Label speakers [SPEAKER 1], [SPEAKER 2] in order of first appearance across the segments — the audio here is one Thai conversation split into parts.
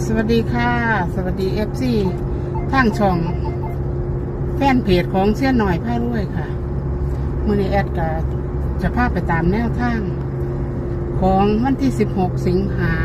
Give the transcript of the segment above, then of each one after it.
[SPEAKER 1] สวัสดีค่ะสวัสดีFCทางช่องแฟนเพจของเสี้ยนหน่อยผ้าด้วยค่ะมื้อนี้แอดก็จะพาไปตามแนวทางของวันที่16สิงหา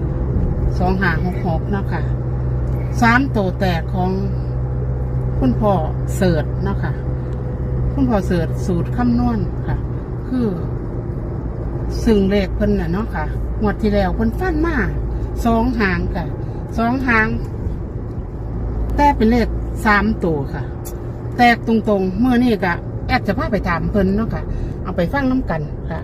[SPEAKER 1] 2566เนาะค่ะ3ตัวแตกของคุณพ่อเสิร์ชเนาะค่ะคุณพ่อเสิร์ชสูตรคำนวณค่ะคือซึ่งเลขเพิ่นน่ะเนาะค่ะงวดที่แล้วเพิ่นฟันมา2 หางค่ะ2 หางแต่เป็นเลข3ตัวค่ะแตกตรงๆเมื่อนี้ก็แอดจะพาไปถามเพิ่นเนาะค่ะเอาไปฟังน้ำกันค่ะ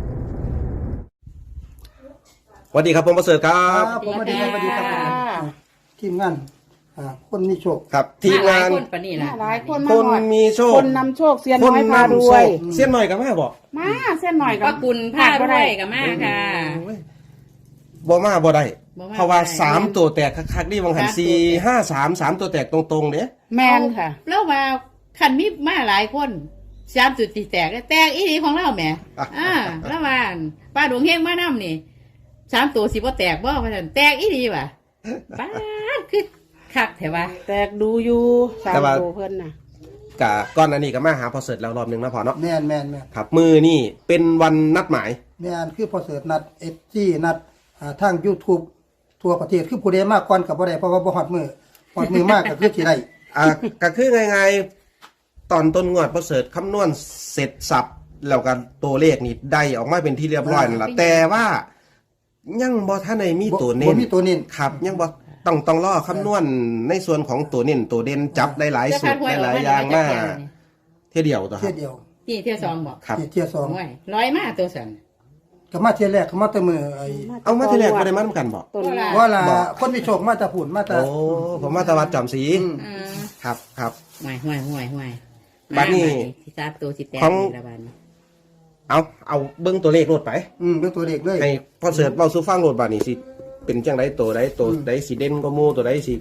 [SPEAKER 2] สวัสดีครับผมประเสริฐครับ
[SPEAKER 3] ผมสวัสดีครับสวัสดีครับทีมงานคนมีโชค
[SPEAKER 2] ครับทีมงาน
[SPEAKER 4] หลยคนปะนี่ล่ะ
[SPEAKER 1] หลายคน
[SPEAKER 2] ค
[SPEAKER 1] มาน
[SPEAKER 2] มีโชค
[SPEAKER 1] คนนำโชคเสียนน้อยพารวย
[SPEAKER 2] เสี้ยนหน่อยกับแม่บอก
[SPEAKER 1] มาเส้นหน่อย
[SPEAKER 4] ป้ากุลผ้าด้วยกับมาค่ะ
[SPEAKER 2] บ่มาบ่ได้
[SPEAKER 4] บ่มา
[SPEAKER 2] เพราะว่า
[SPEAKER 4] บ่ได้
[SPEAKER 2] 3ตัวแตกคักๆนี่บางหัน
[SPEAKER 4] สามตัวแตก
[SPEAKER 2] 4 5 3 3ตัวแตกตรงๆเด้
[SPEAKER 1] แมนค่ะ
[SPEAKER 4] แล้วมาคันมีมาหลายคนสามจุดตีแตกแตกอีนีของเราแหมแล้วมาป้าดวงเฮงมานํนี่3 ตัวสิบ่แตกบ่ว่าซั่นแตกอีนีว่ะป้าดคือคักแท้ว่า
[SPEAKER 1] แตกดูอยู่3ตัวเพิ่นน่ะ
[SPEAKER 2] กะก่อนอันนี้ก็มาหาพอเสริฐแล้วรอบหนึงนะพอเนาะ
[SPEAKER 3] แม่น
[SPEAKER 2] ครับมือนี่เป็นวันนัดหมาย
[SPEAKER 3] คือพอเสิร์ชนัดนัดทาง YouTube ทั่วประเทศคือผู้ใดมากก่อนกับบ่ได้เพราะว่าบ่ฮอดมือมากก็คือสิได้
[SPEAKER 2] ก็คือไงตอนต้นงวดพอเสริฐคำนวณเสร็จสับแล้วก็ตัวเลขนี่ได้ออกมาเป็นที่เรียบร้อยนั่นแหละแต่ว่ายังบ่ทันได้มีตัวเน้
[SPEAKER 3] บ่
[SPEAKER 2] น
[SPEAKER 3] มีตัวเน้น
[SPEAKER 2] ครับยังบอกต้องรอคำนวณในส่วนของตัวเน้นตัวเด่นจับได้หลายสูตรได้หลายอย่างมากเที่ยวเดียวตัวค
[SPEAKER 3] เที่
[SPEAKER 2] รั
[SPEAKER 3] ย
[SPEAKER 2] บ
[SPEAKER 3] เดียว
[SPEAKER 4] นี่เที่ยวสองบอก
[SPEAKER 2] ครับ
[SPEAKER 3] เที่ยสอง
[SPEAKER 4] โอ้ยร้อยมาตัวสัน
[SPEAKER 3] ก็มาเที่ยแรกก็มาแต่มือ
[SPEAKER 2] เอามาที่แรกก็ได้มาทำกันบอก
[SPEAKER 1] ต้น
[SPEAKER 3] ว่าล่ะคนมีโชคมาแต่ผุ่นมาแต่
[SPEAKER 2] โอ้ผมมาตะวัดจอมสี
[SPEAKER 4] อ่า
[SPEAKER 2] ครับ
[SPEAKER 4] ห่วย
[SPEAKER 2] บัดนี้
[SPEAKER 4] สิสามตัวสิแตก
[SPEAKER 2] ของ
[SPEAKER 4] นี่ละบัดนี้
[SPEAKER 2] เอาเบิ้งตัวเลขโลดไป
[SPEAKER 3] เป็นตัวเด็กเลย
[SPEAKER 2] ให้พอเสิร์ชเบาสู้ฟังโลดบาดนี่สิเป็นจังไดตัวใดตัวใดสิเด่นก็มูตัวใดสิ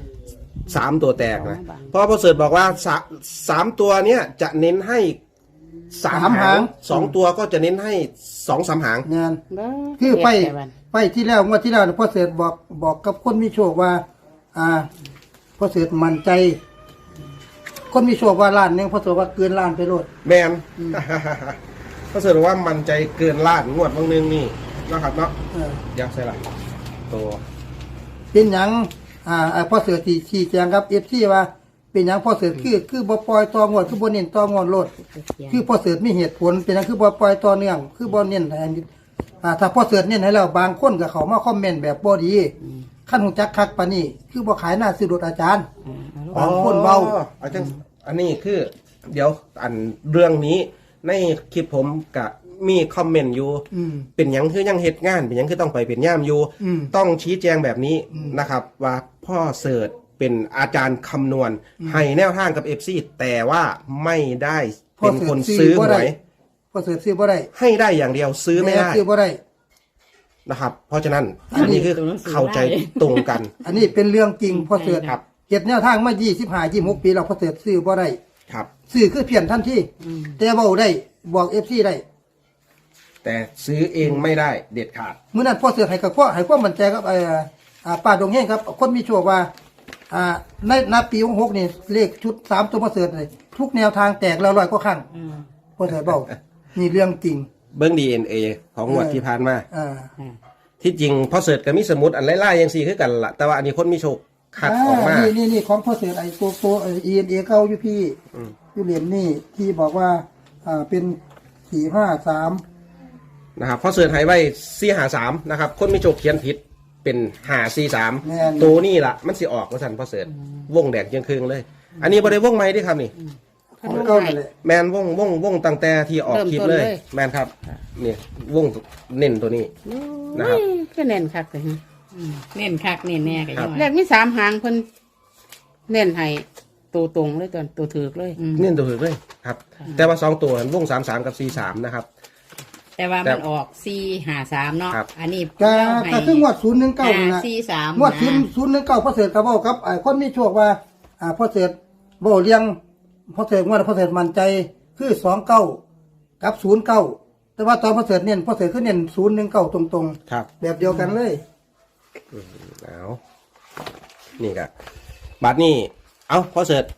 [SPEAKER 2] 3ตัวแตกนะเพราะพอเสิร์ชบอกว่า3ตัวเนี้ยจะเน้นให้3 หาง2ตัวก็จะเน้นให้2-3 หาง
[SPEAKER 3] งานคือไปที่แล้วงวดที่แล้วพอเสิร์ชบอกกับคนมีโชคว่าพอเสิร์ชมั่นใจ คนมีโชคว่าล้านนึงพอเสิร์ชว่าเกินล้านไปโลด
[SPEAKER 2] แมน พอเสิร์ชว่ามันใจเกินล้านงวดบางนึงนี่นะครับเนาะ อยากใส่ละตัว
[SPEAKER 3] เป็นหยังพอเสือที่ชี้แจงครับ FC ว่าเป็นหยังพอเสือคือบ่ปล่อยต่องวดคือบ่เน้นต่องวดโลดคือพอเสือมีเหตุผลเป็นหยังคือบ่ปล่อยต่อเนื่องคือบ่เน้นอันนี้ถ้าพอเสือเน้นให้แล้วบางคนก็เข้ามาคอมเมนต์แบบบ่ดีคันฮู้จักคักปานนี้คือบ่ขายหน้าซื้อรถอาจารย์บางคนเว้า
[SPEAKER 2] อาจารย์อันนี้คือ เดี๋ยวอันเรื่องนี้ในคลิปผมกับมีคอมเมนต์อยู่ เป็นหยังคือยังเหตุงานเป็นหยังคือต้องไปเป็นย่ามอยู่ ต้องชี้แจงแบบนี้นะครับ ว่าพ่อเสิร์ชเป็นอาจารย์คำนวณให้แนวทางกับเอฟซีแต่ว่าไม่ได้เป็นคนซื้อหวย
[SPEAKER 3] พอเสือซื้อบ่ได้
[SPEAKER 2] ให้ได้อย่างเดียวซื้อไม่ได้
[SPEAKER 3] ซื้อบ่ได้
[SPEAKER 2] นะครับ เพราะฉะนั้นอันนี้คือเข้าใจตรงกัน
[SPEAKER 3] อันนี้เป็นเรื่องจริงพอเสือ
[SPEAKER 2] ครับ
[SPEAKER 3] เก็บแนวทางมา25 26ปีแล้วพอเสือซื้อบ่ได้
[SPEAKER 2] ครับ
[SPEAKER 3] ซื้อคือเพี้ยนทันทีแต่เว้าได้บอก FC ได้
[SPEAKER 2] แต่ซื้อเองไม่ได้เด็ดขาด
[SPEAKER 3] เมื่อนั้นพ่อเสือให้กับพ่อให้ความมั่นใจกับป้าดงแห้งครับคนมีโชคว่าในนับปี66นี่เลขชุด3ตัวพ่อเสือเลยทุกแนวทางแตกแล้ว100กว่าครั้งพ่อเสือเบานี่เรื่องจริง
[SPEAKER 2] เบิ้ง DNA ของงวดที่ผ่านมา
[SPEAKER 3] อ่า
[SPEAKER 2] ที่จริงพอเสิร์ชกับมีสมุดอันไล่ๆยังสี่คือกันละแต่ว่าอันนี้คนมีโชคคัดออกมา
[SPEAKER 3] นี่ของพ่อเสือไอ้ตัวENA เก่าอยู่พี่อยู่เหรียญนี่ที่บอกว่าเป็น453
[SPEAKER 2] นะครับพอเสิร์ชให้ไว้453นะครับคนมีโชคเขียนผิดเป็น543
[SPEAKER 3] แม่น
[SPEAKER 2] ตัวนี่ล่ะมันสิออกว่าซั่นพอเสิร์ชวงแดกยังครึ่งเลย อันนี้บ่ได้วงใหม่เด้ครับนี่
[SPEAKER 3] ของเก่านั่นแหละ
[SPEAKER 2] แมนวงตั้งแต่ที่ออกคลิปเลย แมนครับนี่วงเน้นตัวนี้นะครับ
[SPEAKER 1] ก็เน้นคักเลยฮะ
[SPEAKER 4] เน้นคักเน้นแน่กันยัง
[SPEAKER 1] เล
[SPEAKER 4] ว่า
[SPEAKER 1] ขมี3 หางเพิ่นเน้นให้ตัวตรงเลยตัวถือเลย
[SPEAKER 2] เน้นตัวถือเลยครับ แต่ว่า2ตัวนั้นวง33กับ43นะครับ
[SPEAKER 4] แต่ว่ามันออก453เนาะ
[SPEAKER 2] ครับ
[SPEAKER 4] อันนี้
[SPEAKER 3] ก็
[SPEAKER 4] เล่าให้
[SPEAKER 3] ก็คืองวด019นี่นะ
[SPEAKER 4] 543
[SPEAKER 3] งวด019พ่อเสือก็เว้ากับคนมีโชคว่าพ่อเสือเว้าเลี้ยงพ่อเสืองวดพ่อเสือมั่นใจคือ29กับ09แต่ว่าตอนพ่อเสือเน้นพ่อเสือคือเน้น019ตรง
[SPEAKER 2] ครับ
[SPEAKER 3] ๆแบบเดียวกันเลย
[SPEAKER 2] เอานี่ก็บาทนี้เอาพอเสร็จ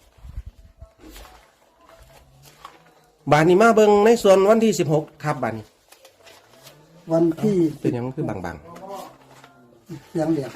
[SPEAKER 2] บาทนี้มาเบิ่งในส่วนวันที่16ครับบาทนี้
[SPEAKER 3] วันที่
[SPEAKER 2] เป็นหยังคือบาง
[SPEAKER 3] เสียงเดียด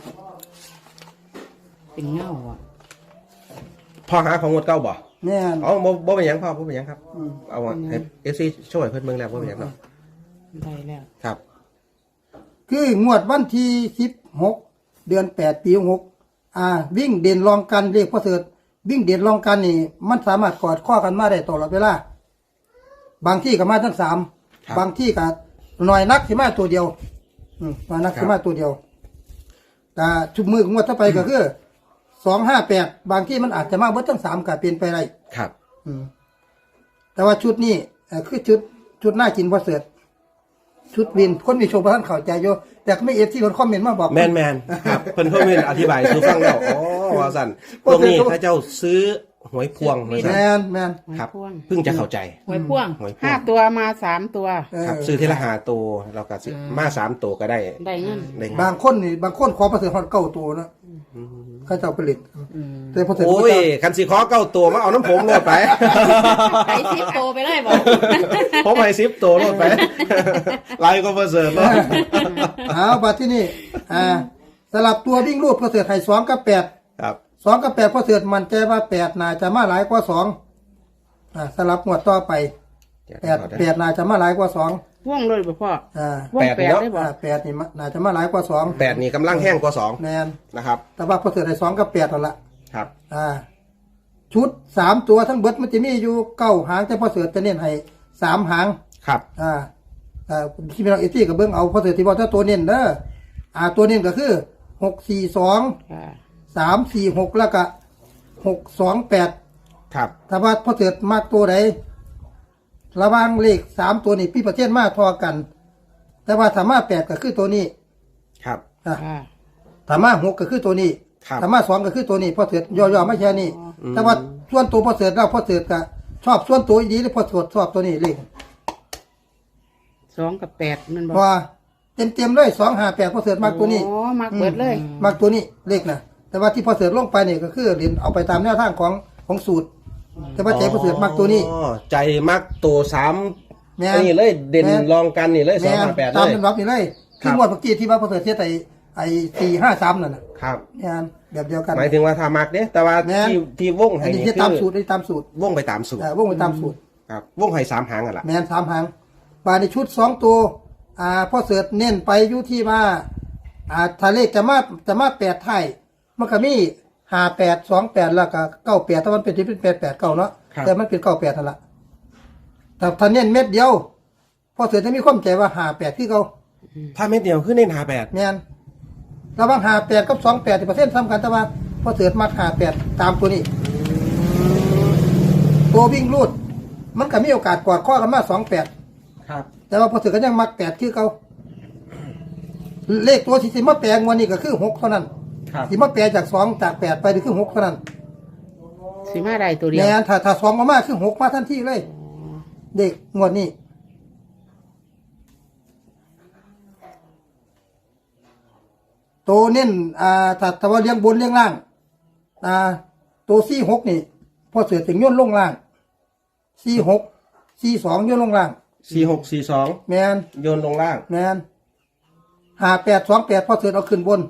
[SPEAKER 4] เป็นเงาอ่ะ
[SPEAKER 2] ๆพอหาของงวดเก่าบ่
[SPEAKER 3] แม่น
[SPEAKER 2] อ๋อบ่เป็นหยังพ่อบ่เป็นหยังครับ
[SPEAKER 3] อืม
[SPEAKER 2] เอาให้ FC ช่วยเพิ่นเบิ่งแล้วบ่เป็นหยังเนาะ
[SPEAKER 4] ได้แล้ว
[SPEAKER 2] ครับ
[SPEAKER 3] คืองวดวันที่16เดือน8ปี6วิ่งเด่นรองกันเรียกพ่อเสริฐวิ่งเด่นรองกันนี่มันสามารถกอดข้อกันมาได้ตลอดเวลาบางที่ก็มาทั้ง3บางที่ก็หน่อยนักสิมาตัวเดียวมานักสิมาตัวเดียวแต่ชุดมือของงวดต่อไปก็คือ258บางที่มันอาจจะมาเบิดทั้ง3ก็เป็นไปได้
[SPEAKER 2] ครับ
[SPEAKER 3] แต่ว่าชุดนี้คือชุดหน้ากินพ่อเสริฐชุดวินคนมีโชว์ประท่านเข้าใจอยู่แต่ก็ไม่เอฟที่คนคอมเมนต์มาบอก
[SPEAKER 2] แมนครับเพิ่นเพิ่นอธิบายสู่ฟังแล้วอ๋อว่าซั่นพวกนี้ถ้าเจ้าซื้อหวยพวงว่า
[SPEAKER 3] แม
[SPEAKER 2] ซั่น
[SPEAKER 3] นแมน
[SPEAKER 4] หวย
[SPEAKER 2] ครับ
[SPEAKER 4] พ่วง
[SPEAKER 2] เพิ่งจะเข้าใจ
[SPEAKER 4] หวยพ่วง
[SPEAKER 2] หวยพวง
[SPEAKER 1] 5 ตัวมา 3 ตัว
[SPEAKER 2] ครับซื้อทีละ5ตัวเราก็ซื้อมา3ตัวก็ได้
[SPEAKER 1] ได้เงิน
[SPEAKER 2] ได้
[SPEAKER 3] บางคนนี่บางคนขอประเสริฐฮอดเก้าตัวนะเขาเจ้าผลิตแต่พอเสริฐ
[SPEAKER 2] โอ้ยคันสิขอเก้าตัวมาเอาน้ำผมโลดไป
[SPEAKER 4] ไปซิปโตไปเลยบอก
[SPEAKER 2] ผมให้10ตัวโลดไปไลน์ก็บ่เสิร์ฟเนาะ
[SPEAKER 3] เอาบัดที่นี่สลับตัววิ่งรูดพอเสริฐให้2กับ8
[SPEAKER 2] ครับ
[SPEAKER 3] 2กับ8พอเสริฐมันใจว่า8น่าจะมาหลายกว่า2สลับงวดต่อไป8น่าจะมาหลายกว่า2
[SPEAKER 1] ว่องเลยบ่พ่อ
[SPEAKER 3] 8
[SPEAKER 1] ว่องแปดได้บ่
[SPEAKER 3] 8นี่น่าจะมาหลายกว่า2
[SPEAKER 2] 8นี่กำลังแห้งกว่า2
[SPEAKER 3] แมน
[SPEAKER 2] นะครับ
[SPEAKER 3] แต่ว่าพอเสริฐให้2กับ8นั่นละ
[SPEAKER 2] ครับ
[SPEAKER 3] ชุด3ตัวทั้งเบิดมันจะมีอยู่9หางแต่พอเสริฐจะเน้นให้3หาง
[SPEAKER 2] ครับ
[SPEAKER 3] ที่พี่น้องเอตี้กับเบิ้งเอาพอเสร็จที่บอกถ้าตัวเน้นเด้อตัวเน้นก็คือ642
[SPEAKER 1] ค่ะ
[SPEAKER 3] 346แล้วก็628
[SPEAKER 2] ครับ
[SPEAKER 3] ถ้าว่าพอเสร็จมากตัวใดระหว่างเลข3ตัวนี้พี่ประเทศมาทอกัน แต่ว่าถ้ามา8ก็คือตัวนี้
[SPEAKER 2] ครับ
[SPEAKER 3] อ่ะ
[SPEAKER 1] ค่ะ
[SPEAKER 3] ถ้ามา6ก็คือตัวนี้
[SPEAKER 2] ครับ
[SPEAKER 3] ถ้ามา2ก็คือตัวนี้พอเสร็จย่อๆไม่แค่นี้แต่ว่าส่วนตัวพอเสร็จแล้วพอเสร็จก็ชอบส่วนตัวอีดีหรือพอเสร็จชอบตัวนี้เลข
[SPEAKER 1] 2 กับ 8มันบ่
[SPEAKER 3] เพราะว่าเต็มๆเลย258พอเสร็จมากตัวนี้
[SPEAKER 1] อ๋อมักเบิดเลย
[SPEAKER 3] มากตัวนี้เลขนะแต่ว่าที่พอเสือลงไปเนี่ยก็คือเรียนเอาไปตามแนวทางของสูตร แต่ว่าใจพอเสือมากตัวนี้
[SPEAKER 2] อ๋อใจมักตัว3
[SPEAKER 3] แม่น
[SPEAKER 2] นี่เลยเด่น
[SPEAKER 3] แม่น
[SPEAKER 2] รองกันนี่เลย
[SPEAKER 3] แม่น
[SPEAKER 2] 258
[SPEAKER 3] ตาม
[SPEAKER 2] เลย
[SPEAKER 3] เป็นรับนี่เลย
[SPEAKER 2] ครั
[SPEAKER 3] ที่
[SPEAKER 2] บ
[SPEAKER 3] งวดเมื่อกี้ที่ว่าพอเสือเทียไอ้453นั่นน่ะ
[SPEAKER 2] ครับ
[SPEAKER 3] แม่นแบบเดียวกัน
[SPEAKER 2] หมายถึงว่าถ้ามักเด้แต่ว่า
[SPEAKER 3] แม่น
[SPEAKER 2] ที่วง
[SPEAKER 3] อั
[SPEAKER 2] ให้
[SPEAKER 3] นนี้
[SPEAKER 2] นี่
[SPEAKER 3] ที่
[SPEAKER 2] คื
[SPEAKER 3] ตาม
[SPEAKER 2] อ
[SPEAKER 3] สูตรได้ตามสูตร
[SPEAKER 2] วงไปตามสูตร
[SPEAKER 3] วงไปตามสูตร
[SPEAKER 2] ครับวงให้3หางอ่ะล่ะ
[SPEAKER 3] แม่น3หางปลาในชุด2ตัวพอเสือเน้นไปอยู่ที่ว่าถ้าเลขจะมา8ไทยมันก็มี58 28แล้วก็98ถ้ามันเป็นที่เป็น88 9เนาะแต่มันเป็น98นั่นล่ะแต่ถ้าเน้นเม็ดเดียวพอเสือจะมีความใจว่า58ที่เขา
[SPEAKER 2] ถ้าเม็ดเดียวคือเน้น58
[SPEAKER 3] แม่นระหว่าง58กับ28%ซ้ำกันแต่ว่าพอเสือมัก58ตามตัวนี้ตัววิ่งรูดมันก็มีโอกาสกอดข้อกันมา28
[SPEAKER 2] ครับ
[SPEAKER 3] แต่ว่าพอเสือก็ยังมัก8คือเขาเลขตัวที่สิมาแปลงวันนี้ก็คือ6เท่านั้น
[SPEAKER 2] ครับ
[SPEAKER 3] สิมาแปลจาก2จาก8ไปนี่คือ6เท่านั้น
[SPEAKER 1] สิมาได้ตัวเดียว
[SPEAKER 3] แม่นถ้า2มาคือ6มาทันทีเลย เด็กงวดนี้ตัวเน้นถ้าว่าเลี้ยงบนเลี้ยงล่างตัว46นี่พอเสือถึงย่นลงล่าง46 42ย่นลงล่าง
[SPEAKER 2] 4642
[SPEAKER 3] แมน
[SPEAKER 2] โยนลงล่าง
[SPEAKER 3] แมน5828พอเสือเอาขึ้นบน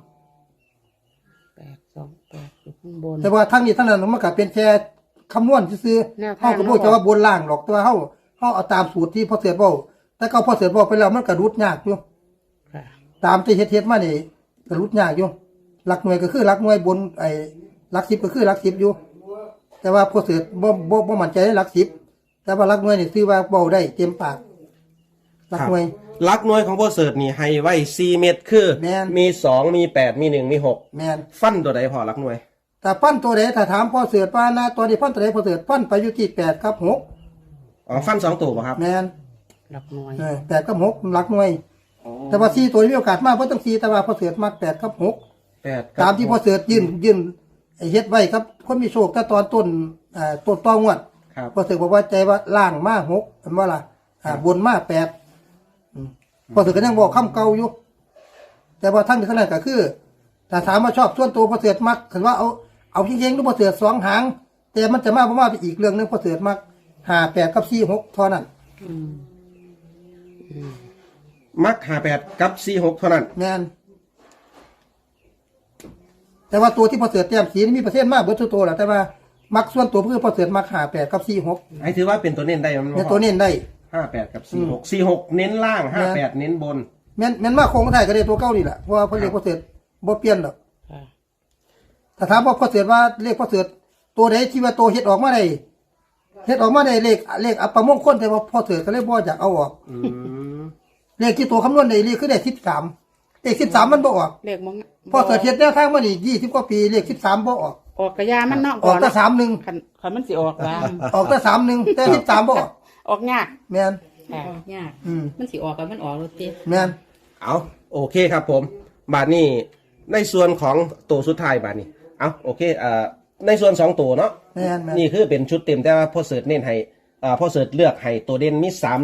[SPEAKER 1] 8 2 8อยู่ข้างบน
[SPEAKER 3] แต่ว่าทั้งนี้ทั้งนั้นมันก็เป็นแค่คำนวณซื่อ
[SPEAKER 1] แนว
[SPEAKER 3] ๆ
[SPEAKER 1] ทาง
[SPEAKER 3] เฮาก็บ่จะว่าบนล่างหรอกแต่ว่าเฮาเอาตามสูตรที่พอเสือบอกแต่ก็พอเสือบอกไปแล้วมันก็รุดยากอยู่
[SPEAKER 1] ค่ะ
[SPEAKER 3] ตามที่เฮ็ดมานี่ก็รุดยากอยู่หลักหน่วยก็คือหลักหน่วยบนหลัก10ก็คือหลัก10อยู่ แต่ว่าพอเสือบ่มั่นใจในหลัก10แต่ว่าหลักหน่วยนี่ซื้อว่าเว้าได้เต็มปากหลักหน่วย
[SPEAKER 2] ลักน้อยของพ่อเสิร์ตนี่ให้ไว้4เม็ดคือ
[SPEAKER 3] แม่น
[SPEAKER 2] มี2มี8มี1มี6
[SPEAKER 3] แม่น
[SPEAKER 2] ฟันตัวใดพอลักน้อย
[SPEAKER 3] แต่ปั้นตัวใดถ้าถามพอเสือว่านะตัวนี้ปั้นตัวใดพอเสือปั้นไปอยู่ที่8กับ6
[SPEAKER 2] อ๋อฟัน2ตัวป่ะครับ
[SPEAKER 3] แม่น
[SPEAKER 1] หลักหน่วย
[SPEAKER 3] 8กับ6หลักหน่วย แต่ว่า4ตัวมีโอกาสมากเพราะต้อง4แต่ว่าพอเสือมาก8กับ6
[SPEAKER 2] 8
[SPEAKER 3] ตามที่พอเสือยื่นเฮ็ดไว้ครับคนมีโชคแต่ตอนต้นต้นตองวด
[SPEAKER 2] ครับ
[SPEAKER 3] พอเสือบอกว่าใจว่าล่างมา6เห็นบ่ล่ะบนมา8พอเสือก็ยังบอกคำเก่าอยู่แต่ว่าทั้งนี้ทั้งนั้นก็คือแต่ถามว่าชอบส่วนตัวพอเสือมักถือว่าเอาเฮงๆดูพอเสือ2 หางแต่มันจะมากเพราะว่าไปอีกเรื่องนึงพอเสือมัก58กับ46เท่านั้น
[SPEAKER 2] มัก58กับ46เท่านั้น
[SPEAKER 3] แม่นแต่ว่าตัวที่พอเสือเตรียมสีนี่มีเปอร์เซ็นต์มากเบิดทุกตัวแหละแต่ว่ามักส่วนตัวคือพอเสือมัก58กับ46
[SPEAKER 2] ไอ้ถือว่าเป็นตัวเน้นได้มัน
[SPEAKER 3] เนี่ยตัวเน้นได้
[SPEAKER 2] 58กับ46เน้นล่าง58เน้นบน
[SPEAKER 3] แม่นมากคงไทยก็ได้ตัวเก้านี่แหละเพราะว่าพอเรียกพอเสือบ่เปลี่ยนหรอก
[SPEAKER 1] ค่ะ
[SPEAKER 3] ถ้าถามว่าพอเสือว่าเลขพอเสือตัวใดที่ว่าตัวเฮ็ดออกมาได้เลขอัปมงคลแต่ว่าพอเสือก็เลยบ่อยากเอาออก
[SPEAKER 2] อืม
[SPEAKER 3] เลขที่ตัวคำนวณได้เลขคือได้13เลข13มันบ่ออก
[SPEAKER 1] เลขมอง
[SPEAKER 3] พอเสือเฮ็ดแนวทางมานี่20กว่าปีเลข13บ่ออก
[SPEAKER 1] ออกกระยามันเนาะ
[SPEAKER 3] ออกแต่
[SPEAKER 1] คัน
[SPEAKER 3] 31
[SPEAKER 1] คันมันสิออกว่า
[SPEAKER 3] ออกแต่31แต่13บ่ออก
[SPEAKER 1] ออกยาก
[SPEAKER 3] แม่น
[SPEAKER 1] ค่ะ
[SPEAKER 4] ออกยาก
[SPEAKER 1] มันสิออกกันมันออกรถติ
[SPEAKER 3] แม่น
[SPEAKER 2] เอาโอเคครับผมบาทนี้ในส่วนของตัวสุดท้ายบาทนี้เอาโอเคในส่วน2ตัวเนาะ
[SPEAKER 3] แม่น
[SPEAKER 2] นี่คือเป็นชุดเต็มแต่ว่าพ่อเสิร์ชเน้นให้พ่อเสิร์ชเลือกให้ตัวเด่นมี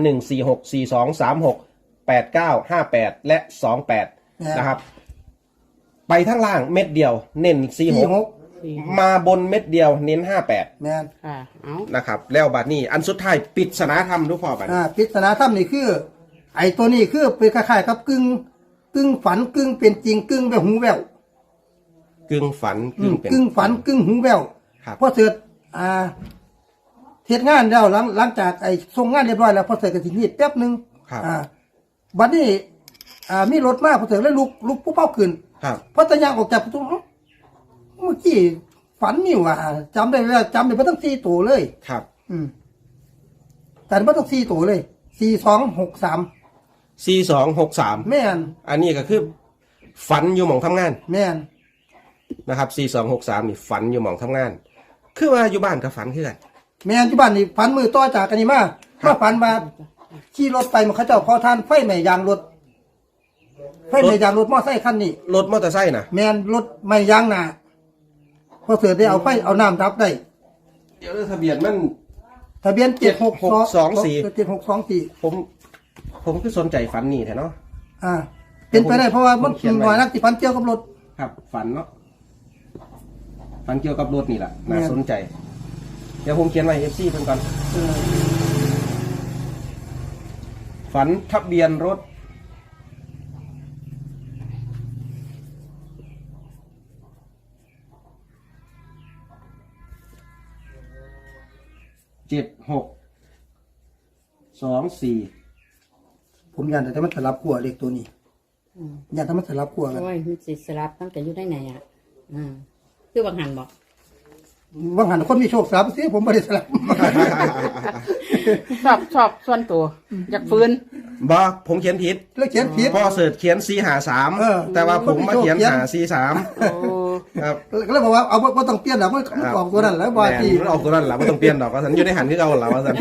[SPEAKER 2] 314642368958และ28นะครับไปทั้งล่างเม็ดเดียวเน้น46มาบนเม็ดเดียวเน้น58
[SPEAKER 3] แม่น
[SPEAKER 1] ค่ะเอา
[SPEAKER 2] นะครับแล้วบัดนี้อันสุดท้ายปริศนาธรรมทุกพ่อบัดนี้
[SPEAKER 3] ปริศนาธรรมนี่คือ ไอ้ตัวนี้คือเป็นคล้ายๆกับกึ่งฝันกึ่งเป็นจริงกึ่งแบบหูแว่ว
[SPEAKER 2] กึ่งฝันกึ่งเป็น
[SPEAKER 3] กึ่งฝันกึ่งหูแว่ว
[SPEAKER 2] ครับ
[SPEAKER 3] พอเสร็จเทศงานแล้วหลังจากไอ้ส่งงานเรียบร้อยแล้วพอเสร็จก็สิงีบแป๊บนึง
[SPEAKER 2] ครับ
[SPEAKER 3] บัดนี้มีรถมาพอเสร็จแล้วลุกผู้เป้าขึ้น
[SPEAKER 2] ครับ
[SPEAKER 3] พอตะยางออกจากประตูเมื่อกี้ฝันนี่ว่าจำได้แล้วจำได้บ่ต้อง4ตัวเลย
[SPEAKER 2] ครับ
[SPEAKER 3] แต่บ่ต้อง4ตัวเลย4263
[SPEAKER 2] 4263
[SPEAKER 3] แม่น
[SPEAKER 2] อันนี้ก็คือฝันอยู่หม่องทำงาน
[SPEAKER 3] แม่น
[SPEAKER 2] นะครับ4263นี่ฝันอยู่หม่องทำงาน คือว่าอยู่บ้านก็ฝันคือกัน
[SPEAKER 3] แม่นที่บ้านนี่ฝันมือต่อจากกันนี่มาฝันมาขี่รถไปมันเขาเจ้าพอทานไฟไหม้ยางรถมอเตอร์ไซค์คันนี้
[SPEAKER 2] รถมอเตอร์ไซค์นะ
[SPEAKER 3] แม่นรถไหม้ยางหน้าพอเสือได้เอาไฟเอาน้ำดับได้
[SPEAKER 2] เดี๋ยวทะเบียนมัน
[SPEAKER 3] ทะเบียน
[SPEAKER 2] 7624
[SPEAKER 3] 7624
[SPEAKER 2] ผมคือสนใจฝันนี่แท้เนาะ
[SPEAKER 3] เป็นไปได้เพราะว่ามัน
[SPEAKER 2] ผมเขียนไว้
[SPEAKER 3] หน่อยนักที่ฝันเกี่ยวกับรถ
[SPEAKER 2] ครับฝันเนาะฝันเกี่ยวกับรถนี่แหละน่า
[SPEAKER 3] แม่น
[SPEAKER 2] สนใจ เดี๋ยวผมเขียนไว้ FC เพิ่นก่อนฝันทะเบียนรถ7624
[SPEAKER 3] ผมยันแต่มันสลับขั้วเลขตัวนี้ยันแต่มันสลับขั้วกัน
[SPEAKER 4] โอ้ยมันสิสลับตั้งแต่อยู่ได้ไหนอ่ะคือบางหันบอก
[SPEAKER 3] ว่างหันคนมีโชคสลับสิผมไม่ได้สลับ
[SPEAKER 1] ชอบส่วนตัวอยากฟื้น
[SPEAKER 2] บ่ผมเขียนผิด
[SPEAKER 3] แล้วเขียนผิด
[SPEAKER 2] พ่อเสิร์ชเขียน453แต่ว่าผมมาเขียน543
[SPEAKER 1] โอ้
[SPEAKER 2] ครับ
[SPEAKER 3] ก็เลยบอกว่าเอาบ่ต้องเปลี่ยนหรอกมันออกตัวนั้นแล้วบ่
[SPEAKER 2] แม่น
[SPEAKER 3] ที่
[SPEAKER 2] มันออกตัวนั้นแหละไม่ต้องเปลี่ยนดอกว่าสันอยู่ในหันที่เอาหละว่าสัน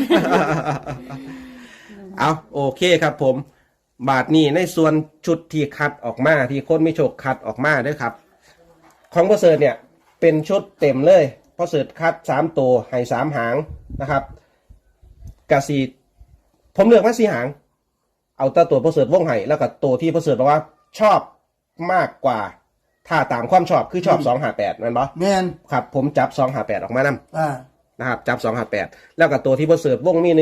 [SPEAKER 2] เอาโอเคครับผม บาทนี้ในส่วนชุดที่คัดออกมาที่คนไม่โชคคัดออกมาด้วยครับ ของพ่อเสิร์ชเนี่ยเป็นชุดเต็มเลยพ่อเสิร์ชคัด3ตัวให้3หางนะครับกะสีผมเลือกมา4หาง เอาแต่ตัวพ่อเสิร์ชวงไห้แล้วก็ตัวที่พ่อเสิร์ชบอกว่าชอบมากกว่า ถ้าตามความชอบคือชอบ258นั่นปะ
[SPEAKER 3] แม่น
[SPEAKER 2] ครับผมจับ258ออกมานำ
[SPEAKER 3] อ่า
[SPEAKER 2] นะครับจับ258แล้วก็ตัวที่พ่อเสิร์ชวงมี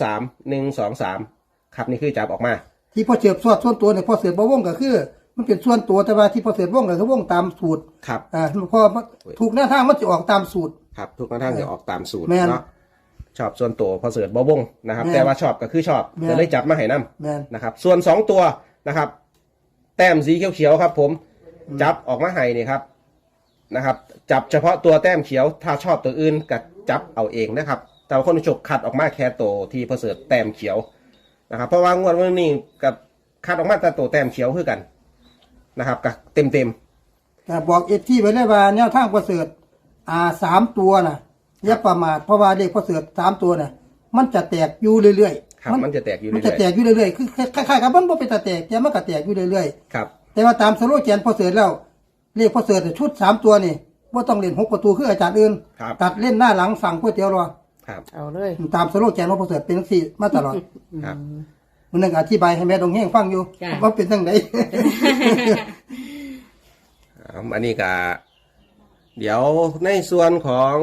[SPEAKER 2] 123ครับนี่คือจับออกมา
[SPEAKER 3] ที่พ่อเสือส่วนตัวเนี่ยพ่อเสือบ่วงก็คือ มันเป็นส่วนตัวแต่ว่าที่พ่อเสือวงก็คือวงตามสูตร
[SPEAKER 2] ครับ
[SPEAKER 3] พอถูกหน้าทางมันจะออกตามสูตร
[SPEAKER 2] ครับทุกท่านจะออกตามสูตร
[SPEAKER 3] แม่น
[SPEAKER 2] เนาะชอบส่วนตัวพ่อเสิร์ชบ่วงนะครับ
[SPEAKER 3] แม่น
[SPEAKER 2] แต่ว่าชอบก็คือชอบ
[SPEAKER 3] แม่น
[SPEAKER 2] จะได้จับมาให้นํ
[SPEAKER 3] แม่น
[SPEAKER 2] นะครับส่วน2ตัวนะครับ แต้มสีเขียวๆครับ ผมจับออกมาให้นี่ครับนะครับ จับเฉพาะตัวแต้มเขียว ถ้าชอบตัวอื่นก็จับเอาเองนะครับ แต่ว่าคนที่ฉกคัดออกมาแค่ตัวที่พ่อเสิร์ชแต้มเขียวนะครับ เพราะว่างวดวันนี้กับคัดออกมาแต่ตัวแต้มเขียวคือกันนะครับกับเต็ม
[SPEAKER 3] แต่บอกที่ไว้เลยว่าแนวทางพ่อเสือ3ตัวน่ะอย่าประมาทเพราะว่าเลขพ่อเสือ3ตัวน่ะมันจะแตกอยู่เรื่อย
[SPEAKER 2] ๆครับมันจะแตกอยู่
[SPEAKER 3] มัน
[SPEAKER 2] เรื่
[SPEAKER 3] จะ
[SPEAKER 2] อย
[SPEAKER 3] แตกอยู่เรื่อยๆคือคล้ายๆกับมันบ่เป็นตาแตกแต่มันก็แตกอยู่เรื่อย
[SPEAKER 2] ๆครับ
[SPEAKER 3] ๆแต่ว่าตามสโลแกนพ่อเสือแล้วเลขพ่อเสือชุด3ตัวนี่บ่ต้องเล่น6ประตูคืออาจารย์อื่น
[SPEAKER 2] ครับ
[SPEAKER 3] ตัดเล่นหน้าหลังสั่งก๋วยเตี๋ยวรอ
[SPEAKER 2] ครับ
[SPEAKER 1] เอาเลย
[SPEAKER 3] ตามสโลแกนของพ่อเสือเป็นจังซี่มาตลอด
[SPEAKER 2] ครับ
[SPEAKER 3] มันนึงอธิบายให้แม่ดงเฮงฟังอยู่ว่าเป็นจังได๋
[SPEAKER 2] อันนี้ก็เดี๋ยวในส่วนของ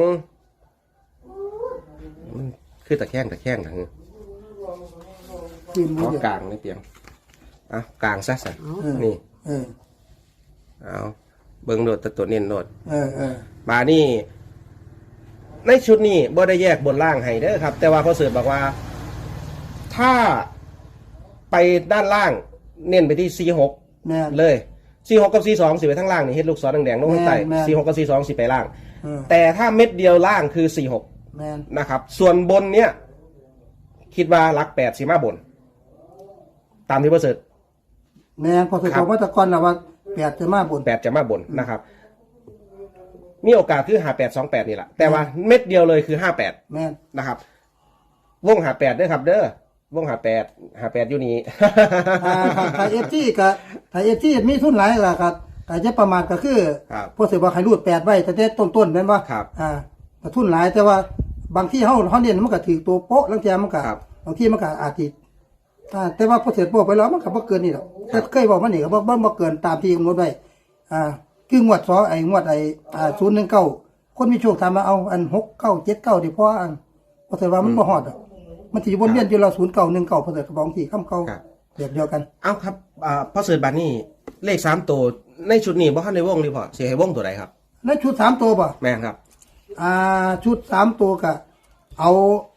[SPEAKER 2] มันคือตะแคงทาง
[SPEAKER 3] กินมื
[SPEAKER 2] เอา
[SPEAKER 3] อเดียว
[SPEAKER 2] กลางในเตียงกลางซะสันนี่
[SPEAKER 3] เออ
[SPEAKER 2] เอาเบิ่งโดดตัวเน้นโดด
[SPEAKER 3] เออ
[SPEAKER 2] มานี่ในชุดนี้บ่ได้แยกบนล่างให้เด้อครับ แต่ว่าเขาเสิร์ฟบอกว่า ถ้าไปด้านล่างเน้นไปที่ C6
[SPEAKER 3] แม่น
[SPEAKER 2] เลย C6 กับ C2 สิไปทั้งล่างนี่เฮ็ดลูกศรแดงๆลงข้างใต้
[SPEAKER 3] แม่น
[SPEAKER 2] C6 กับ C2 สิไปล่าง
[SPEAKER 3] เออ
[SPEAKER 2] แต่ถ้าเม็ดเดียวล่างคือ C6
[SPEAKER 3] แม่น
[SPEAKER 2] นะครับ ส่วนบนเนี้ยคิดว่าหลัก8สิมาบน ตามที่ประเสริฐ
[SPEAKER 3] แม่นพอเสร็จ
[SPEAKER 2] ครับ
[SPEAKER 3] มาตะกอนแล้วว่า8จะมาบน
[SPEAKER 2] 8จะมาบนนะครับ มีโอกาสคือ5828นี่แหละแต่ว่าเม็ดเดียวเลยคือ58
[SPEAKER 3] แม่น
[SPEAKER 2] นะครับ วง58ด้วยครับ เด้อวง58อยู่นี่
[SPEAKER 3] ถ้า FT ก็ถ้า FT มีทุนหลายล่ะครับก็จะประมาณก็คือ
[SPEAKER 2] ครับ
[SPEAKER 3] พอเสร็จว่าให้รูด8ไว้แต่ต้นๆแม่นบ่
[SPEAKER 2] ครับ
[SPEAKER 3] ก็ทุนหลายแต่ว่าบางที่เฮาเน้นมันก็ถือตัวโป๊ะลังเทียมันก็
[SPEAKER 2] ครับ
[SPEAKER 3] บางที่มันก็อาจสิแต่ว่าพอเสร็จโป๊ะไปแล้วมันก็บ่เกินนี่หรอกแต่เคยบอกมันนี่ก็บ่เกินตามที่กำหนดไว้คืองวดงวด019คนมีโชคถามมาเอาอัน6979ดิเพราะอันพอเสร็จว่ามันบ่ฮอดดอกมันสิอยู่วนเวียนอยู่เรา0919พอเสร็จก็บอกที่คำเก่า
[SPEAKER 2] ครับ
[SPEAKER 3] แบบเดียวกัน
[SPEAKER 2] เอาครับพอเสิร์ชบานี่เลข3ตัวในชุดนี้บ่ทันได้วงดีพอสิให้วงตัวใดครับ
[SPEAKER 3] แล้วชุด3ตัวบ่
[SPEAKER 2] แม่นครับ
[SPEAKER 3] ชุด3ตัวก็เอา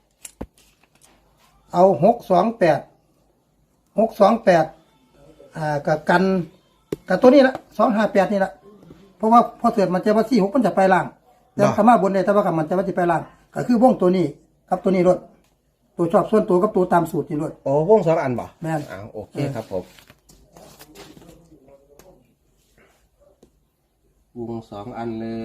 [SPEAKER 3] 628กับกันกับตัวนี้ละ258นี่ละเพราะว่าพอเสร็จมันจะว่า46มันจะไปล่างแต่
[SPEAKER 2] บ่
[SPEAKER 3] สามารถบนได้แต่ว่ามันจะว่าจะไปล่างก็คือวงตัวนี้กับตัวนี้รถตัวชอบส่วนตัวกับตัวตามสูตรนี่รถ
[SPEAKER 2] โอ้วง2อันบ่
[SPEAKER 3] แม่น
[SPEAKER 2] โอเคครับผมวง2อันเลย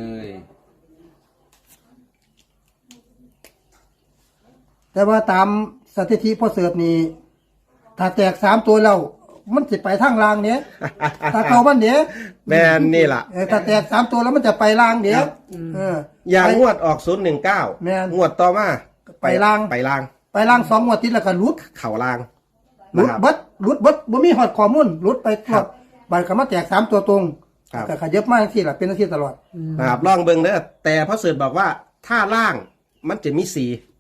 [SPEAKER 3] แต่ว่าตามสถิติพอเสิร์ฟนี่ถ้าแตก3ตัวแล้วมันจะไปทางล่างเนี้ยถ้าเขามันเนี้ย
[SPEAKER 2] แม่นนี่ล่ะ
[SPEAKER 3] ถ้าแตก3ตัวแล้วมันจะไปล่างเนี้ย
[SPEAKER 2] ครับ
[SPEAKER 3] อย่าง
[SPEAKER 2] งวดออก019
[SPEAKER 3] แม่น
[SPEAKER 2] งวดต่อมา
[SPEAKER 3] ไปล่าง
[SPEAKER 2] ไปล่าง
[SPEAKER 3] ไปล่าง2งวดติดแล้วก็หลุด
[SPEAKER 2] เข่าล่าง
[SPEAKER 3] หลุด
[SPEAKER 2] นะครับ
[SPEAKER 3] เบิดบ่มีฮอดข้อมูลหลุดไปตลอดบัดก็มาแตก3ตัวตรง
[SPEAKER 2] ครับ
[SPEAKER 3] ก็ขยับมาจังซี่ล่ะเป็นจังซี่ตลอด
[SPEAKER 2] นะครับลองเบิ่งเด้อแต่พระเสริฐบอกว่าถ้าล่างมันจะมี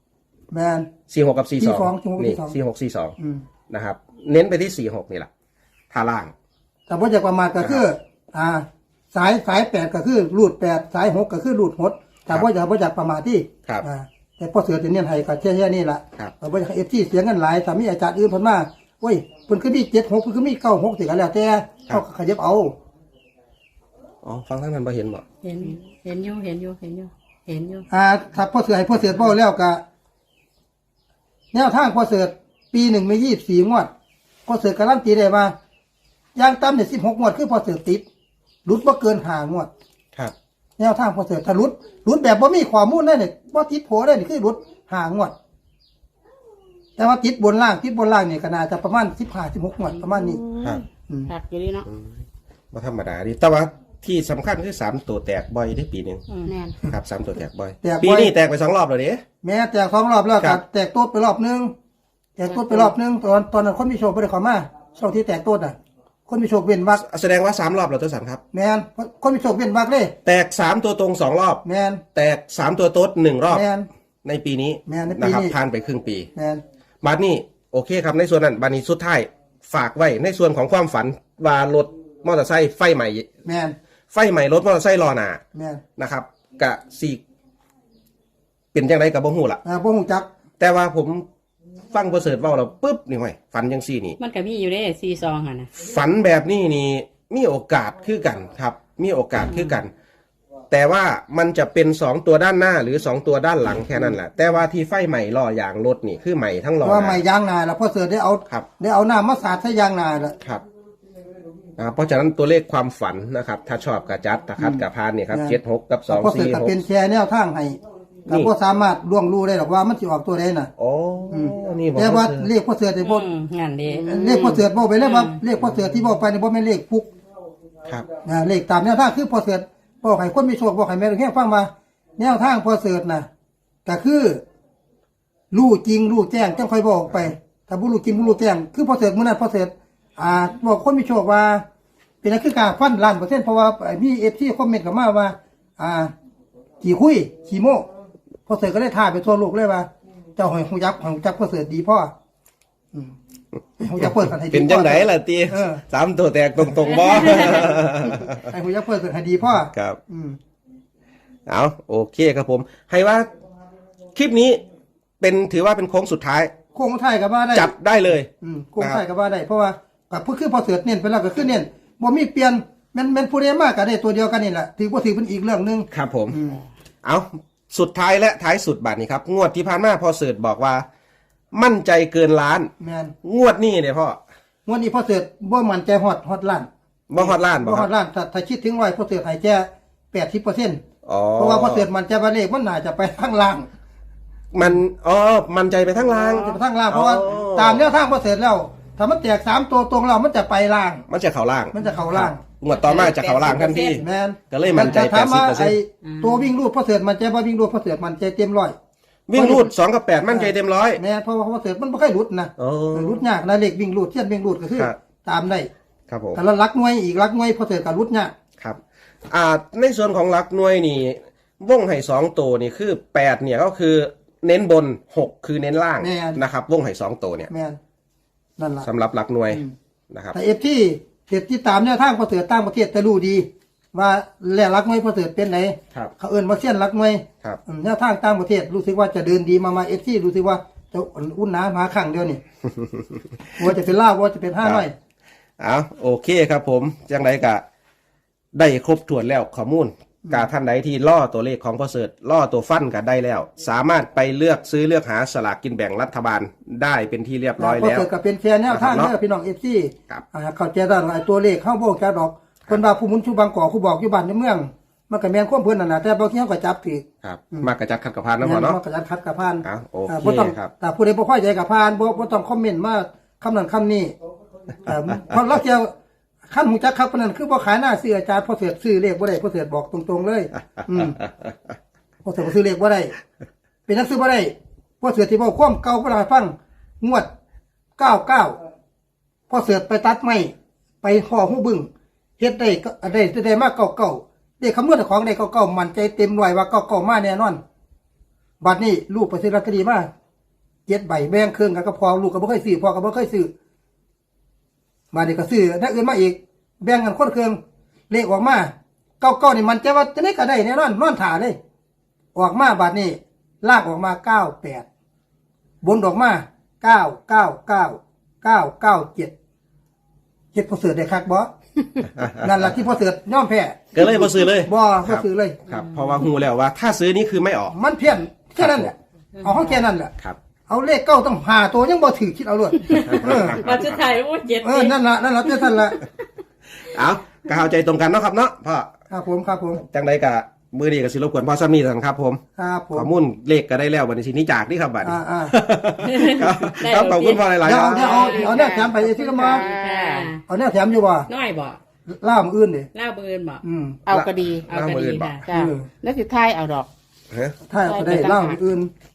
[SPEAKER 2] 4
[SPEAKER 3] แม่น
[SPEAKER 2] 46กับ42
[SPEAKER 3] 46
[SPEAKER 2] นี่
[SPEAKER 3] อืม
[SPEAKER 2] 4642นะครับ เน้นไปที่46นี่แหละถ้าล่าง
[SPEAKER 3] แต่บ่จะประมาทก็คือสาย8ก็คือรูด8สาย6ก็คือรูด6แต่บ่อยากประมาทที่
[SPEAKER 2] ครับ
[SPEAKER 3] แต่พอเสือจะเน้นให้ก็แค่นี่ล่ะ
[SPEAKER 2] ครับ
[SPEAKER 3] บ่อยากให้ FT เสียเงินหลายถ้ามีอาจารย์อื่นเพิ่นมาโอ้ยเพิ่นคือมี76เพิ่นคือมี96สิก็แล้วแต่เขาก็ขยับเอา
[SPEAKER 2] อ๋อฟังทั้งนั้นบ่เห็นบ่
[SPEAKER 4] เห็นอยู่
[SPEAKER 3] ถ้าพ่อเสือให้พ่อเสือเบ้าแล้วก็แนวทางพ่อเสือปีหนึ่งมี24งวดพ่อเสือการันตีได้ว่าอย่างต่ำเนี่ย16งวดคือพ่อเสือติดหลุดบ่เกิน5งวด
[SPEAKER 2] ครับ
[SPEAKER 3] แนวทางพ่อเสือถ้าหลุดแบบบ่มีข้อมูลได้เนี่ยบ่ติดโผได้นี่คือหลุด5งวด แต่ว่าติดบนล่างนี่ก็น่าจะประมาณ15-16งวดประมาณนี้
[SPEAKER 2] ครับ
[SPEAKER 4] หักอยู่ดีเนาะ
[SPEAKER 2] บ่ธรรมดาดิแต่ว่าที่สำคัญคือ3ตัวแตกบ่อยได้ปีหนึง
[SPEAKER 4] แน่น
[SPEAKER 2] ครับ3ตัวแตกบ่อย
[SPEAKER 3] แตกบ่อย
[SPEAKER 2] ปีนี้แตกไป2รอบแล้วเด้
[SPEAKER 3] แม้แตก2รอบแล้ว
[SPEAKER 2] ครั
[SPEAKER 3] ก็
[SPEAKER 2] บ
[SPEAKER 3] แตกโต๊ดไปรอบนึงตอนนั้นคนมีโชคบ่ได้เข้ามาช่วงที่แตกโต๊ดน่ะ คนมีโชคเว้นวัก
[SPEAKER 2] แสดงว่า3รอบแล้วตัวสันครับ
[SPEAKER 3] แมนคนมีโชคเว้นวักเลย
[SPEAKER 2] แตก3ตัวตรง2รอบ
[SPEAKER 3] แมน
[SPEAKER 2] แตก3ตัวโต๊ด1รอบ
[SPEAKER 3] แมน
[SPEAKER 2] ในปีนี้
[SPEAKER 3] แม่นในปีนี้
[SPEAKER 2] นะครับผ่านไปครึ่งปี
[SPEAKER 3] แมน
[SPEAKER 2] บัดนี้โอเคครับในส่วนนั้นบัดนี้สุดท้ายฝากไว้ในส่วนของความฝันว่ารถมอเตอร์ไซค์ไฟใหม่
[SPEAKER 3] แมน
[SPEAKER 2] ไฟใหม่รถมอเตอร์ไซค์ล้อหน้า
[SPEAKER 3] แมน
[SPEAKER 2] นะครับกะสีเป็นจังไดกับบ่ฮู้ล่ะ
[SPEAKER 3] บ่ฮู้จัก
[SPEAKER 2] แต่ว่าผมฟังประเสริฐเว้าแล้วปุ๊บนี่ห้อยฝันจังซี่นี่
[SPEAKER 4] มันก็มีอยู่ได้42หั่นน่ะ
[SPEAKER 2] ฝันแบบนี้นี่มีโอกาสคือกันครับ มีโอกาสคือกัน แต่ว่ามันจะเป็น2ตัวด้านหน้าหรือ2ตัวด้านหลังแค่นั้นแหละแต่ว่าที่ไฟใหม่ล้อยางรถนี่คือใหม่ทั้งล้อ
[SPEAKER 3] ว่า
[SPEAKER 2] ห
[SPEAKER 3] ใหม่
[SPEAKER 2] น้า
[SPEAKER 3] ยางนาแล้วพอเสือได้เอา
[SPEAKER 2] ครับ
[SPEAKER 3] ได้เอาน้ำมาสาดใส่ยางนาแล้ว
[SPEAKER 2] ครับเพราะฉะนั้นตัวเลขความฝันนะครับ ถ้าชอบกระจัดถ้าคัดกระพานเนี่ยครับ76กับ
[SPEAKER 3] พอเสือก็เป็น
[SPEAKER 2] 246
[SPEAKER 3] แชร์แนวทางให้
[SPEAKER 2] นี่
[SPEAKER 3] ก็บ่สามารถล่วงรู้ได้หรอกว่ามันสิออกตัวใดน่ะ
[SPEAKER 2] โอ้นี่บอก
[SPEAKER 3] แต่ว่า
[SPEAKER 2] เสือ
[SPEAKER 3] เลขพอเสือได้บ่
[SPEAKER 4] งานดี
[SPEAKER 3] เลขพอเสือบ่ไปแล้วว่าเลขพอเสือที่บ่ไปนี่บ่แม่นเลขฟุก
[SPEAKER 2] ครับ
[SPEAKER 3] เลขตามแนวทางคือพอเสือบอกให้คนมีโชคบอกให้แม่แค่ฟังว่าแนวทางพอเสือน่ะก็คือรู้จริงรู้แจ้งจังค่อยบอกไปถ้าบ่รู้จริงบ่รู้แจ้งคือพอเสือมื้อนั้นพอเสือบอกคนมีโชคว่าเป็นนักคือการฟันล้านเปอร์เซ็นต์เพราะว่ามีเอฟซีคอมเมนต์เข้ามาว่า ขี่คุยขี่โม่พอเสือก็ได้ท่าไปทั่วโลกเลยว่าเจ้าหอยหูยักษ์ของจักพอเสือดีพ่อหูยักษ์เปิดกันให้ดี
[SPEAKER 2] เป็นจังไดล่ะตี
[SPEAKER 3] เออ
[SPEAKER 2] 3ตัวแตกตรงๆบ่
[SPEAKER 3] ไอ้หูยักษ์เปิดให้ดีพ่อ
[SPEAKER 2] ครับเอาโอเคครับผม ให้ว่าคลิปนี้ถือว่าเป็นโค้งสุดท้าย
[SPEAKER 3] โค้งไทายกับว่าได้
[SPEAKER 2] จัดได้เลย
[SPEAKER 3] โค้งไทายกับว่าได้เพราะว่ากับผู้คือพอเสือเน้นไปแล้วก็คือเน้นบ่มีเปลี่ยนมันผู้ใดมากก็ได้ตัวเดียวกันนี่แหละถือว่าถือเป็นอีกเรื่องนึง
[SPEAKER 2] ครับผม เอาสุดท้ายและท้ายสุดบัตรนี้ครับ งวดที่ผ่านมาพอเสิร์ชบอกว่า มั่นใจเกินล้าน
[SPEAKER 3] แมน
[SPEAKER 2] งวดนี้เนี่ยพ่อง
[SPEAKER 3] วดนี้พอเสือบ่มันใจฮอดล้าน
[SPEAKER 2] บ่ฮอดล้านบ่
[SPEAKER 3] บ่
[SPEAKER 2] ค
[SPEAKER 3] ฮ
[SPEAKER 2] รั
[SPEAKER 3] อบ ดล้านถ้าคิดถึง100พอเสือให้แค่80%
[SPEAKER 2] อ๋อ
[SPEAKER 3] เพราะว่าพอเสือมันใจว่าเลขมันน่าจะไปทางล่าง
[SPEAKER 2] มั่นใจไปทั้งล้าง
[SPEAKER 3] จะไปทางล่างเพราะว่าตามแนวทางพอเสือแล้วถ้ามันแตก3ตัวตรงแล้วมันจะไปล่าง
[SPEAKER 2] มันจะเข่าล่าง
[SPEAKER 3] มันจะเข้าล่าง
[SPEAKER 2] งวดต่อมาจะเข่าล่างทันที
[SPEAKER 3] แมน
[SPEAKER 2] ก็เลยมั่นใจ
[SPEAKER 3] แต่ถามว่า
[SPEAKER 2] 80%
[SPEAKER 3] ไอ้ตัววิ่งรูดพอเสือมันใจว่าวิ่งรูดพอเสือมันใจเต็มร้อย
[SPEAKER 2] วิ่งรูด2 กับ 8 มั่นใจเต็มร้อย
[SPEAKER 3] แม่เพราะว่าพอเสือมันไม่ค่อยรุดนะ
[SPEAKER 2] อ๋อ
[SPEAKER 3] รุดยากนะเลขวิ่งรูดเทียนวิ่งรูดก็คือ
[SPEAKER 2] ครับ
[SPEAKER 3] ตามได้
[SPEAKER 2] ครับผม
[SPEAKER 3] แต่ละลักหน่วยอีกลักหน่วยพอเสือกับรุดยาก
[SPEAKER 2] ครับ ในส่วนของหลักหน่วยนี่วงไห่2ตัวนี่คือ8เนี่ยก็คือเน้นบน6คือเน้นล่างนะครับวงไห่2ตัวเนี่ย
[SPEAKER 3] แม่นนั่นล่ะ
[SPEAKER 2] สำหรับหลักหน่วยนะครับ
[SPEAKER 3] แต่ที่ตามแนวทางพอเสือต่างประเทศจะรู้ดี ว่าแหล่ลักหน่วยพอเสือเป็นไหน
[SPEAKER 2] ครับ
[SPEAKER 3] เขาเอิ้นว่าเส้นลักหน่วย
[SPEAKER 2] ครับ
[SPEAKER 3] แนวทางต่างประเทศรู้สึกว่าจะเดินดีมารู้สึกว่าจะอุ่นหนามาข้างเดียวนี่ ว่าจะเป็นล่าวว่าจะเป็น500
[SPEAKER 2] เอาโอเคครับผมจังไดกะได้ครบถ้วนแล้วข้อมูลกาท่านใดที่ล่อตัวเลขของพ่อเสิร์ชล่อตัวฟันกันได้แล้ว สามารถไปเลือกซื้อเลือกหาสลากกินแบ่งรัฐบาลได้เป็นที่เรียบร้อย
[SPEAKER 3] พอ
[SPEAKER 2] แล้ว
[SPEAKER 3] เกิดกับเป็นแค่แนวทาง
[SPEAKER 2] นะครับ
[SPEAKER 3] เด้อพี่น้องเอฟซี
[SPEAKER 2] ครับ
[SPEAKER 3] เข้าใจได้หลายตัวเลขเข้าโบกจะดอกคนว่าผู้หมุนชูบางกอกผู้บอกอยู่บ้านในเมือง มันก็แม่นความเพิ่นนั่นน่ะแต่บางทีเขาก็จับผิด
[SPEAKER 2] ครับมากระจัดขัดกับพานนะพ่อเนาะ
[SPEAKER 3] มันก็จัดคัดกับพาน
[SPEAKER 2] โอเค
[SPEAKER 3] บ่ต้อง
[SPEAKER 2] ครับ
[SPEAKER 3] แต่ผู้ใดบ่พอใจกับพานบ่ต้องคอมเมนต์มาคำนั้นคำนี้เพราะเราจะขั้นหูจักครับปานนั้นคือบ่ขายหน้าซื้ออาจารย์พอเสือซื้อเลขบ่ได้พอเสือบอกตรงๆเลยพอเสือบ่ซื้อเลขบ่ได้เป็นนักซื้อบ่ได้พอเสือที่เว้าความเก่าบ่ได้ฟังงวด99พอเสือไปตัดไม้ไปห่อหูบึ้งเฮ็ดได้มากเก่าๆได้คำนวณของได้เก่าๆมั่นใจเต็มร้อยว่าเก่าๆมาแน่นอนบัดนี้ลูกไปซื้อลอตเตอรี่มา7 ใบแบ่งครึ่งกันก็พอลูกก็บ่เคยซื้อพ่อก็บ่เคยซื้อมานี่ก็ซื้อนักอื่นมาอีกแบ่งกันคนเครื่องเลขออกมา99นี่มันใจว่าจะได้ก็ได้แน่นอนนอนถ่าเลยออกมาบัดนี้ลากออกมา98บนออกมา999 997เฮ็ดพอเสือได้คักบ่ นั่นล่ะที่พอเสือยอมแพ้
[SPEAKER 2] ก็เลยบ่ซื้อเลย
[SPEAKER 3] บ่ซื้อเลย
[SPEAKER 2] ครับเพราะว่าหูแล้วว่า ถ้าซื้อนี่คือไม่ออก
[SPEAKER 3] มันเพี้ยนแค่นั้นแหละเอาเขาแค่นั้นแหละ
[SPEAKER 2] ครับ
[SPEAKER 3] เอาเลขเก้าต้องหาตัวยังบ่ถือคิดเอาเลย
[SPEAKER 4] มาสุดท้ายโอ้เจ็ด
[SPEAKER 3] นั่นล่ะเจ้าท่านละ
[SPEAKER 2] เอาก็เข้าใจตรงกันเนาะครับเนาะพ่อ
[SPEAKER 3] ครับผม
[SPEAKER 2] จังไดกะมือดีกับสิรบกวนพ่อซ้ำนี่สันครับผม
[SPEAKER 3] ครับผม
[SPEAKER 2] ข้อมูลเลขก็ได้แล้วบัดนี้สินี้จากนี่ครับบัดนี้ ครับ
[SPEAKER 4] ได้
[SPEAKER 2] ครับขอบคุณพ่อหลายๆ
[SPEAKER 3] เดี๋ยว
[SPEAKER 2] ครับ
[SPEAKER 3] เอาแนวแถมไปที่ละมา
[SPEAKER 4] ค่ะ
[SPEAKER 3] เอาแนวแถมอยู่บ่
[SPEAKER 4] น้อยบ่
[SPEAKER 3] ล่ามอื่นดิ
[SPEAKER 4] เล่าเบินบ่
[SPEAKER 1] เอาก็ดี
[SPEAKER 4] เอาก็ดีค่ะ
[SPEAKER 1] จ้าแล้วสิท้ายเอาดอก
[SPEAKER 2] ฮะ
[SPEAKER 3] ถ้าเอาก็ได้ล่ามอื่น